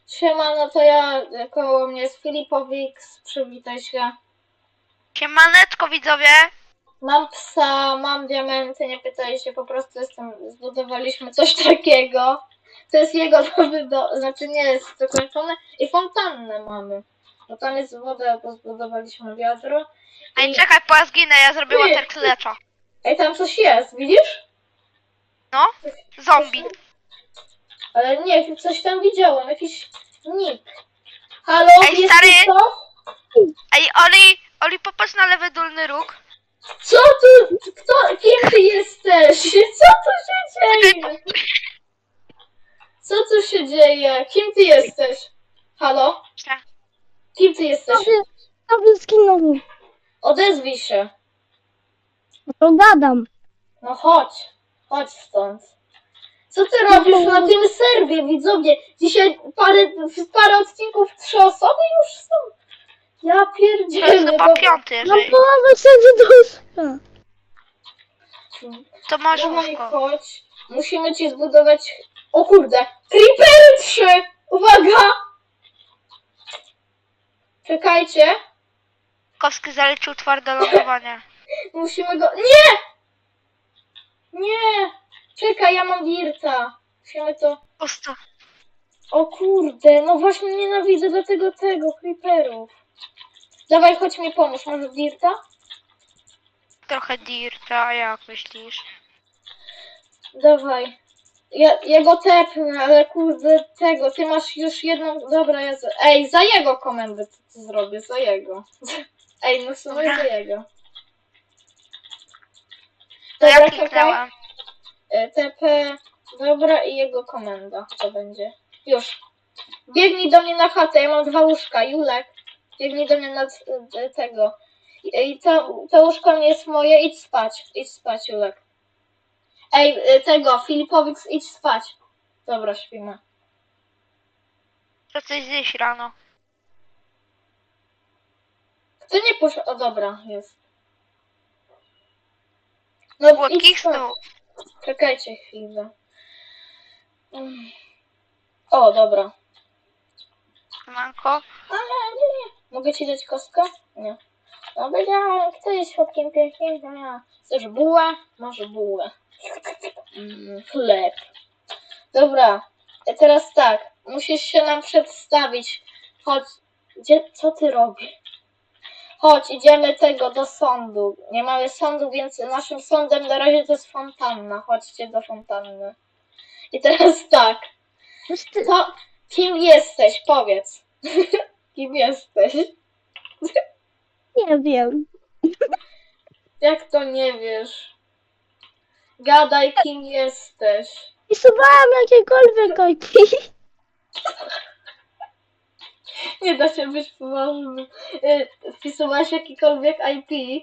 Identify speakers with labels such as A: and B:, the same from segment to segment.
A: Siema, no to ja, koło mnie jest Filipowik, przywitaj się.
B: Siemaneczko widzowie!
A: Mam psa, mam diamenty, nie pytaj się, po prostu zbudowaliśmy coś takiego. To jest jego nowy znaczy nie jest dokończone i fontannę mamy. No tam jest woda, bo zbudowaliśmy wiadro.
B: Ej, czekaj, po ja zginę, ja zrobię water clutcha.
A: Ej, tam coś jest, widzisz?
B: No, zombie.
A: Ale nie, coś tam widziałem, jakiś nick. Halo,
B: Ej,
A: jest
B: stary!
A: tu co?
B: Ej, Oli, popatrz na lewy dolny róg.
A: Co tu? Kim ty jesteś? Co tu się dzieje? Co tu się dzieje? Kim ty jesteś? Halo? Kim ty jesteś?
C: Sobie skinowy.
A: Odezwij się.
C: To gadam.
A: No chodź. Chodź stąd. Co ty robisz na tym serwie, widzowie? Dzisiaj parę odcinków, 3 osoby już są. Ja
B: To jest
A: pierdzielę.
B: chyba piąty,
C: No
B: jeżeli...
C: połowę siedzi duszka.
B: To masz
A: Dawaj,
B: łóżko.
A: chodź. Musimy ci zbudować... O kurde. Creepery 3! Uwaga! Czekajcie.
B: Kowski zaliczył twarde lądowanie.
A: Musimy go... Nie! Nie! Czekaj, ja mam dirta. Musimy to...
B: Pusto.
A: O kurde, no właśnie nienawidzę dlatego tego creeperów. Dawaj, chodź mi pomóż. Masz dirta?
B: Trochę dirta, a jak myślisz?
A: Dawaj. Ja go tepnę, ale kurde tego, ty masz już jedną... Dobra, ja... Ej, za jego komendę to zrobię, za jego. Ej, no w sumie
B: Dobra.
A: za jego.
B: To ja
A: Dobra,
B: kliknęłam.
A: TP, dobra i jego komenda to będzie. Już. Biegnij do mnie na chatę, ja mam 2 łóżka, Julek. Biegnij do mnie na tego. I to łóżko nie jest moje, idź spać, Julek. Ej, tego, Filipowicz, idź spać. Dobra, śpimy.
B: To coś zjeść rano.
A: Kto nie poszedł? O, dobra, jest. No,
B: Słodkich
A: idź spać.
B: snów.
A: Czekajcie chwilę. O, dobra.
B: Manko.
A: Nie. Mogę ci dać kostkę? Nie. No powiedziałem, kto jest słodkim pieskiem? Ja. Chcesz bułę? Może bułę. Chleb. Dobra. Teraz tak. Musisz się nam przedstawić. Chodź. Co ty robisz? Chodź, idziemy do sądu. Nie mamy sądu, więc naszym sądem na razie to jest fontanna. Chodźcie do fontanny. I teraz tak. To, kim jesteś? Powiedz. Kim jesteś?
C: Nie wiem.
A: Jak to nie wiesz? Gadaj, kim jesteś.
C: Pisywałam jakiekolwiek IP.
A: Nie da się być poważnym. Wpisywałaś jakikolwiek IP?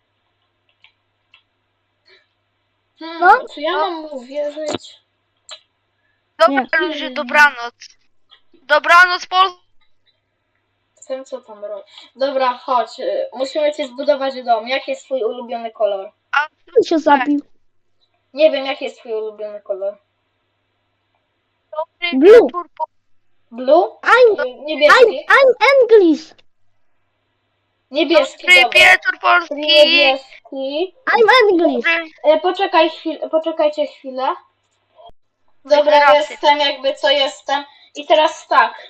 C: No.
A: Czy ja mam mu wierzyć?
B: Dobra,
C: Nie.
B: ludzie, dobranoc. Dobranoc,
A: Wiem, co tam robię. Dobra, chodź. Musimy ci zbudować dom. Jaki jest twój ulubiony kolor?
C: On się zabił.
A: Nie wiem, jaki jest twój ulubiony kolor.
B: Dobry
C: Blue.
B: wieczór,
A: Blue? Niebieski?
C: I'm English.
A: Niebieski,
B: Dobry
A: dobra.
B: wieczór, Polski.
A: Niebieski.
C: I'm English.
B: Dobry...
A: Poczekajcie chwilę. Dobra,
B: Racji.
A: jestem jakby co jestem. I teraz tak.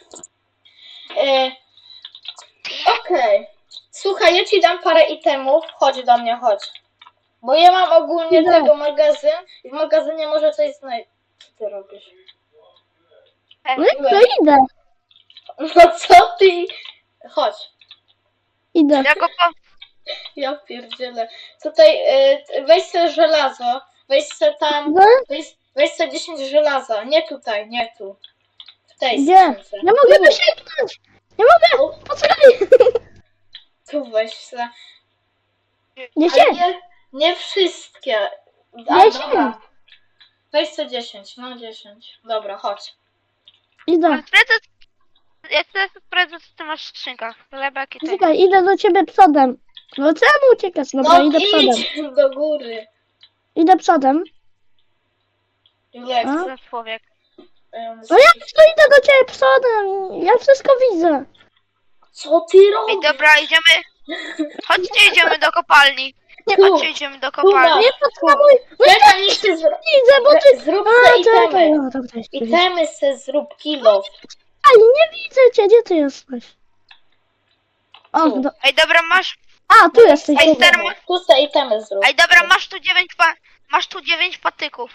A: Okej. Słuchaj, ja ci dam parę itemów. Chodź do mnie, chodź. Bo ja mam ogólnie
C: Idę.
A: tego magazyn i w magazynie może coś znajść. Co ty robisz?
C: No i to idę.
A: No co ty? Chodź.
C: Idę.
B: Ja go po...
A: Ja pierdzielę. Tutaj weź sobie żelazo. Weź sobie tam.
C: Idę?
A: Weź sobie 10 żelaza. Nie tutaj, nie tu. W tej
C: Gdzie?
A: skrzynce.
C: Nie mogę wysięgnąć. Nie mogę. Poczekaj.
A: Tu weź se.
C: Nie
A: Ale
C: się.
A: nie wszystkie. A,
C: 10.
A: dobra. Weź sobie 10, no 10. Dobra, chodź.
C: Idę.
B: Ja chcę sprawdzić, co ty masz w skrzynkach. Chlebek i tak.
C: Czekaj, idę do ciebie przodem. No czemu uciekasz? Dobra, idę przodem.
A: idź do góry.
C: Idę przodem.
A: Julek,
C: A?
B: Za człowiek.
C: No ja tu idę do ciebie przodem. Ja wszystko widzę.
A: Co ty
B: Ej,
A: robisz?
B: dobra, idziemy. Chodźcie, idziemy do kopalni.
A: Tu,
B: Chodźcie, idziemy do kopalni.
C: Nie potrzebuj. No
A: Czekaj, niech się
C: widzę, bo ty...
A: zrób
C: A,
A: se
C: czekaj.
A: itemy.
C: No, dobra, jeszcze widzę.
A: Itemy se zrób, kilo.
C: Aj, nie widzę cię. Gdzie ty jesteś? O,
A: Tu.
B: Ej, dobra, masz.
C: A, tu jesteś.
B: Ej,
C: dobra.
B: stary,
A: Tu se itemy zrób.
B: Ej, dobra, masz tu 9 patyków.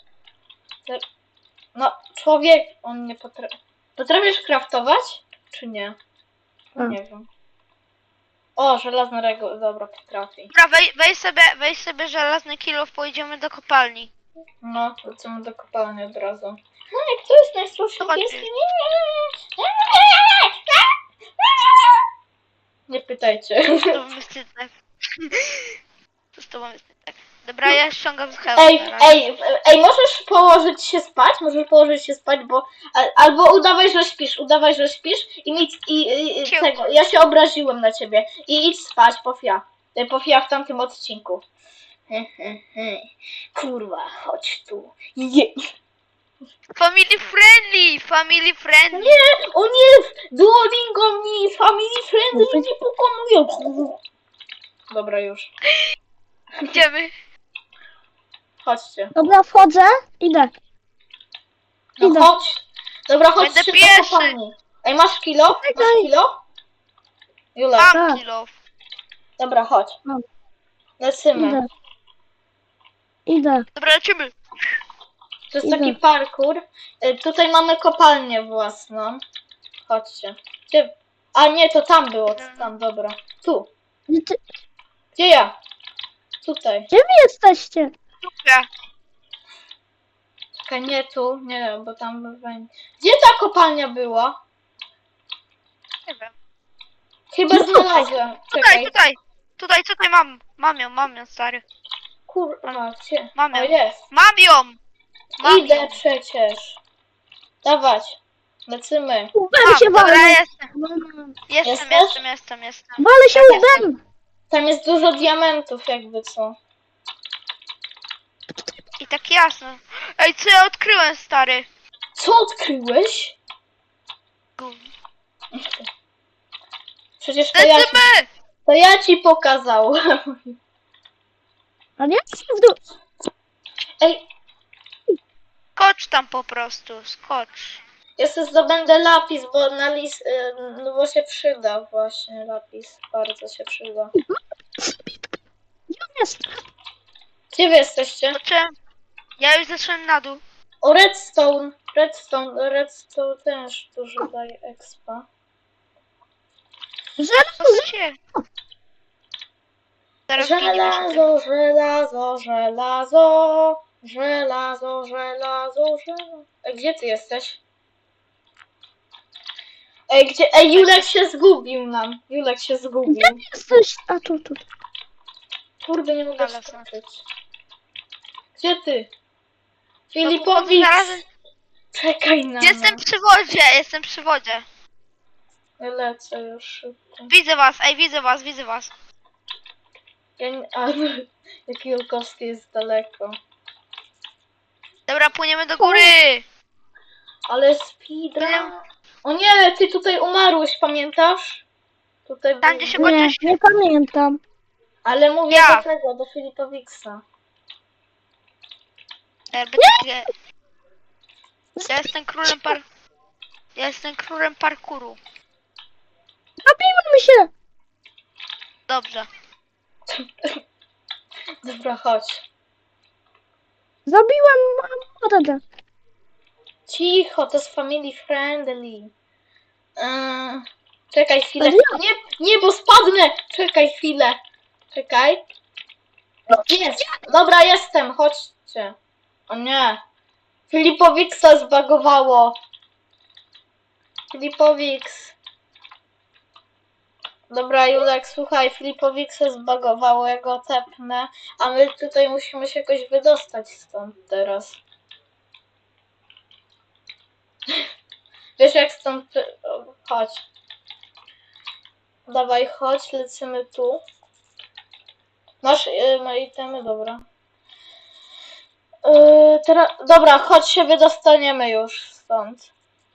A: No, człowiek, on nie potrafi. Potrafisz craftować? Czy nie?
C: A.
A: Nie wiem. O, żelazna reguła, dobra, potrafi.
B: Dobra, weź sobie żelazny kilof, pojedziemy do kopalni.
A: No, lecimy do kopalni od razu. No i kto jest najsłabszy
B: Chodź.
A: pieskiem? Nie pytajcie.
B: Z tobą jest nie tak. Co z tobą jest nie tak? Dobra, ja ściągam z hełmu.
A: Ej, możesz położyć się spać? Możesz położyć się spać, bo... Albo udawaj, że śpisz i
B: Ciu.
A: tego, ja się obraziłem na ciebie. I idź spać, Pofia w tamtym odcinku. Kurwa, chodź tu.
B: Family friendly.
A: Nie, o nie, Duolingo mi, family friendly nie pokonują. Dobra, już.
B: Idziemy.
A: Chodźcie.
C: Dobra, wchodzę. Idę.
A: No
C: Idę.
A: chodź. Dobra, chodź
B: Będę
A: się
B: pierwszy.
A: do kopalni. Ej, masz kilo? Masz
C: Czekaj.
A: kilo? Jula,
B: Mam
C: Tak.
B: kilof.
A: dobra, chodź.
C: Mam.
A: Lecimy.
C: Idę. Idę.
B: Dobra, lecimy.
A: To jest
C: Idę.
A: taki parkour. Tutaj mamy kopalnię własną. Chodźcie. Gdzie? A nie, to tam było. To tam, dobra. Tu. Gdzie ja? Tutaj.
C: Gdzie wy jesteście?
B: Dobra.
A: Czekaj, nie tu. Nie, bo tam będzie. Gdzie ta kopalnia była?
B: Nie wiem.
A: Chyba
C: No
A: znalazłem. Czekaj.
B: Tutaj mam ją, stary.
A: Kurwa, gdzie?
B: Mam ją.
A: O, jest.
B: Mam ją.
A: Idę przecież. Dawać. Lecimy.
C: Łbem się
B: Dobra,
C: walę.
B: jestem.
A: Jesteś?
C: Walę się
A: Jestem.
C: łbem.
A: Tam jest dużo diamentów, jakby co.
B: I tak jasno. Ej, co ja odkryłem, stary?
A: Co odkryłeś? Przecież
B: Lecimy!
A: to ja ci pokazałem.
C: A nie? W dół.
A: Ej,
B: Skocz tam po prostu, skocz.
A: ja sobie zdobędę lapis, bo no bo się przyda właśnie lapis. Bardzo się przyda.
C: Gdzie on jest?
A: Gdzie wy jesteście?
B: Zobaczyłem. Ja już zeszłem na dół.
A: O, redstone. Redstone też dużo daje expa.
C: Żelazo.
B: Co się? Zaraz giniemy się tym.
A: Żelazo. Ej, gdzie ty jesteś? Ej, gdzie? Ej, Julek się zgubił nam. Julek się zgubił.
C: Gdzie jesteś? A tu.
A: Kurde, nie mogę
B: Ale
A: skoczyć. Gdzie ty?
B: No,
A: Filipowicz!
B: znalazłem-
A: Czekaj na
B: Jestem
A: mnie.
B: przy wodzie.
A: Ja lecę już szybko.
B: Widzę was.
A: Ja nie... A, jak Julkowski jest daleko.
B: Dobra, płyniemy do góry.
A: Ale speedrun. O nie, ty tutaj umarłeś, pamiętasz? Tutaj
B: Tam,
A: był-
B: gdzie się
C: Nie,
B: kończy.
C: nie pamiętam.
A: Ale mówię
B: Ja.
A: do tego, do Filipowicza.
B: Ja jestem królem parkouru.
C: Zabijmy się.
B: Dobrze.
A: Dobra, chodź.
C: Zabiłem mordę.
A: Cicho, to jest family friendly. Czekaj chwilę.
C: Ale
A: Nie, bo spadnę! Czekaj chwilę. Czekaj. Jest. Dobra, jestem, chodźcie. O nie. Filipowicza zbagowało. Filipowicz. Dobra, Julek, słuchaj, Filipowicza zbagowało, ja go tepnę, a my tutaj musimy się jakoś wydostać stąd teraz. Wiesz jak stąd... Chodź. Dawaj, chodź, lecimy tu. Masz itemy, dobra. Dobra, chodź się wydostaniemy już stąd.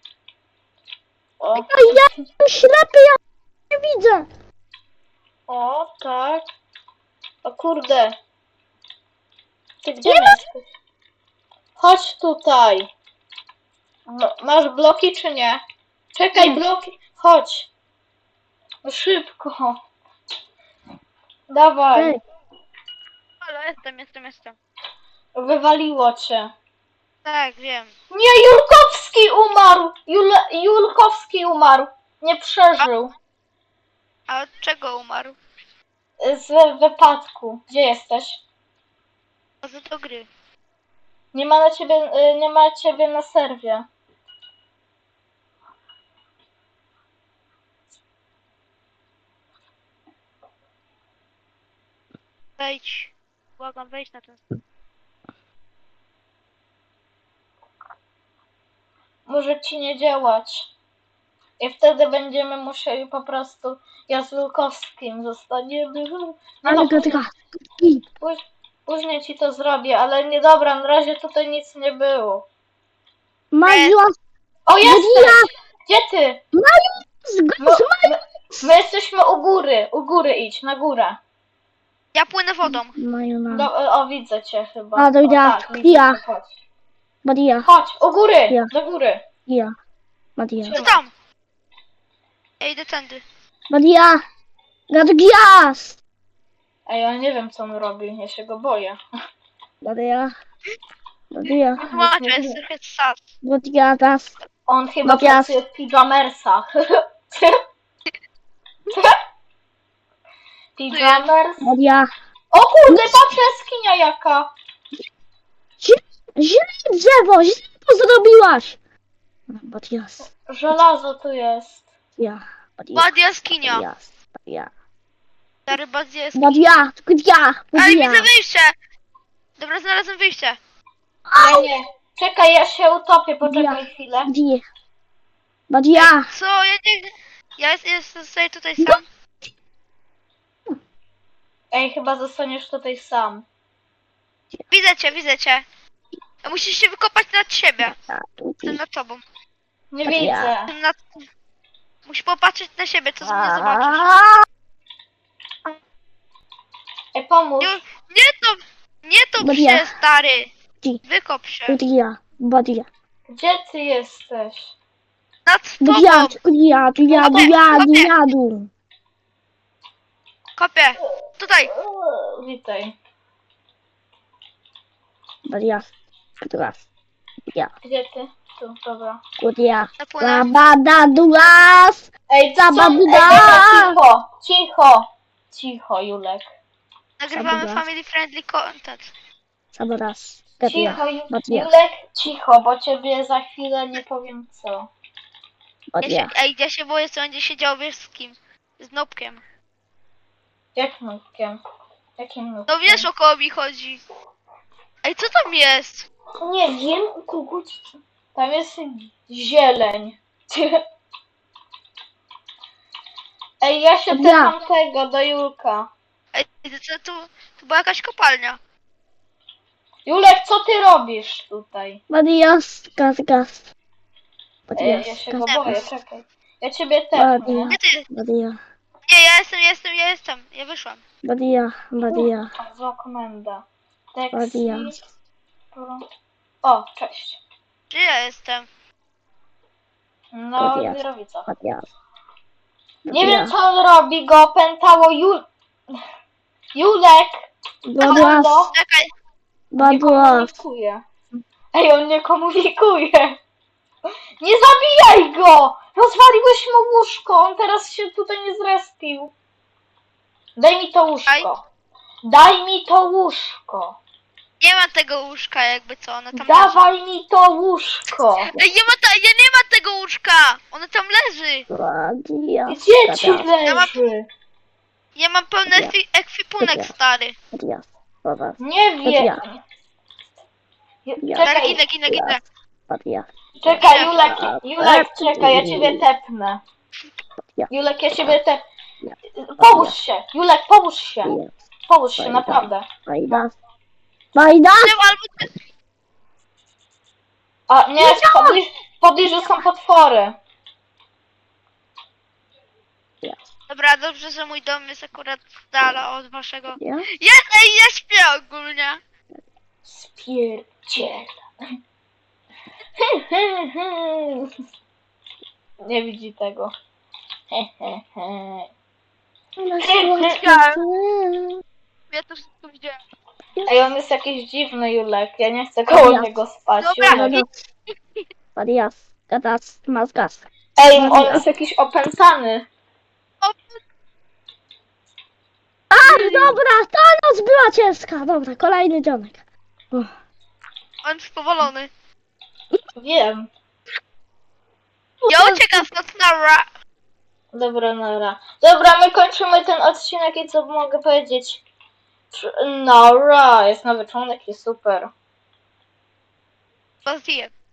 A: O,
C: Ja jestem ślepy, ja nie widzę.
A: o, tak. O kurde. Ty gdzie jesteś? Chodź tutaj. Masz bloki czy nie? Czekaj,
C: Nie.
A: bloki. Chodź. No szybko. Dawaj.
C: Ej,
B: Halo, jestem.
A: Wywaliło cię.
B: Tak, wiem.
A: Nie, Julkowski umarł! Julkowski umarł. Nie przeżył.
B: A od czego umarł?
A: Z wypadku. Gdzie jesteś?
B: A co to gry?
A: Nie ma ciebie na serwie.
B: Wejdź. Błagam, wejdź na ten...
A: Może ci nie działać. I wtedy będziemy musieli po prostu... Ja z Wilkowskim zostaniemy...
C: ale gadka.
A: Później ci to zrobię, ale nie dobra, na razie tutaj nic nie było.
C: Maju,
A: O, jesteś! Gdzie ty?
C: zgłos,
A: My jesteśmy u góry idź, na górę.
B: Ja płynę wodą.
C: Maju na.
A: O, widzę cię chyba.
C: A, to
A: O,
C: ja.
A: tak, widzę
C: Ja.
A: cię, chodź.
C: Badia,
A: Chodź, u góry,
C: Ja.
A: do góry.
C: ja. Badia.
B: Co tam? Ja idę tędy.
C: Badia. Gadgias.
A: A ja nie wiem, co on robi, ja się go boję.
C: Badia. Badia.
B: Macie, jest trochę sas.
C: Badia, das.
A: On chyba
C: Matthias.
A: pracuje w pijamersach. Pijamers?
C: Badia.
A: O kurde, patrz, jaskinia jaka.
C: Źle drzewo, źle to zrobiłaś. Badias.
A: Żelazo tu jest.
C: Ja. Badia.
B: Bad jaskinia.
C: Badias. Badia.
B: Stary bad jaskinia.
C: Badia. Badia.
B: Ej,
C: Badia.
B: widzę wyjście! Dobra, znalazłem wyjście.
A: Ja nie. Czekaj, ja się utopię, poczekaj
C: Ja.
A: chwilę.
C: Badia. Badia.
B: Co? Ja nie... Ja jestem sobie tutaj sam.
A: Ej, chyba zostaniesz tutaj sam.
B: Widzę cię. A musisz się wykopać nad siebie. Jestem nad tobą.
A: Nie
C: Ja.
A: widzę.
B: Jestem nad... Musisz popatrzeć na siebie, co ze mnie zobaczysz.
A: Ej, pomóż.
B: Nie to
C: Badia.
B: się, stary.
C: Ci.
B: Wykop się.
C: Badia. Badia.
A: Gdzie ty jesteś?
B: Nad
C: Badia.
B: tobą.
C: Badia. Badia. Badia. Badia.
B: Kopię. Tutaj.
A: Witaj.
C: Badia. Badias. Badia.
A: Gdzie ty? Tu, dobra.
C: Badia.
B: Napłynę.
C: Bada duas.
A: Ej, co?
C: Zababuda!
A: Cicho, cicho. Cicho, Julek.
B: Nagrywamy
C: Dobra.
B: family friendly content.
C: Sabadas. Badia.
A: Cicho,
C: Badia.
A: Julek, cicho, bo ciebie za chwilę nie powiem co.
C: Badia.
B: Ja się boję, co będzie się działo, wiesz z kim? Z Nopkiem.
A: Jak nutkiem? Jakim nutkiem?
B: No wiesz, o kogo mi chodzi. Ej, co tam jest?
A: Nie wiem, u kogo ci- Tam jest zieleń. Ej, ja się
C: Ja.
A: pytam tego do Julka.
B: Ej, to była jakaś kopalnia.
A: Julek, co ty robisz tutaj?
C: Badias. Gaz, gaz.
A: Ej, ja
C: Badias.
A: się
C: Gaz,
A: go boję,
C: gaz.
A: czekaj. Ja ciebie tepnę.
C: Badia.
B: Gdzie ty?
C: Badia.
B: Nie, ja jestem. Ja wyszłam.
C: Badia. Badia.
A: Zła komenda.
C: Badia.
A: Text. O, cześć.
B: Gdzie ja jestem?
A: No,
C: Badia.
A: wirowica.
C: Badias.
A: Nie wiem, co on robi, go opętało Julek!
C: Badias.
A: Komando,
B: Czekaj.
A: nie
C: Badias.
A: komunikuje. Ej, on nie komunikuje. Nie zabijaj go! Rozwaliłeś mu łóżko, on teraz się tutaj nie zrespił. Daj mi to łóżko. Daj mi to łóżko.
B: Nie ma tego łóżka, jakby co, ona tam leży.
A: Dawaj mi to łóżko.
B: Ej, nie ma tego łóżka! Ono tam leży!
C: Badias.
A: Gdzie ci
C: Badias.
A: leży?
B: Ja mam pełny
C: Dobra.
B: ekwipunek,
C: Dobra.
B: stary.
C: Badias. Badias.
A: Nie wiem.
C: Ja.
B: Stary,
A: Czekaj,
B: ginę.
C: Badias.
A: czekaj, Julek, czekaj, ja ciebie tepnę. Julek, ja ciebie tepnę. Połóż się, Julek, połóż się. Połóż się, naprawdę.
C: Badias. Badias.
B: Albo ty...
A: A nie, Podejrz, że są potwory.
B: Dobra, dobrze, że mój dom jest akurat z dala od waszego.
C: Ja?
B: Ja śpię ogólnie.
A: Spierdziela. Nie widzi tego.
C: Ona sytuacja.
B: Ja to wszystko widziałem.
A: Ej, on jest jakiś dziwny, Julek. Ja nie chcę koło
C: Ja.
A: niego spać.
B: Dobra.
A: Julek.
C: Warias. Gadas. Mazgas.
A: Ej, on jest jakiś opętany.
C: A, dobra, ta noc była ciężka. Dobra, kolejny dzionek. Uff.
B: On jest powolony.
A: Wiem.
B: Ja uciekam stąd na ra.
A: Dobra, nara. Dobra, my kończymy ten odcinek i co mogę powiedzieć? Nara, jest nowy członek i super.
B: Was zjem.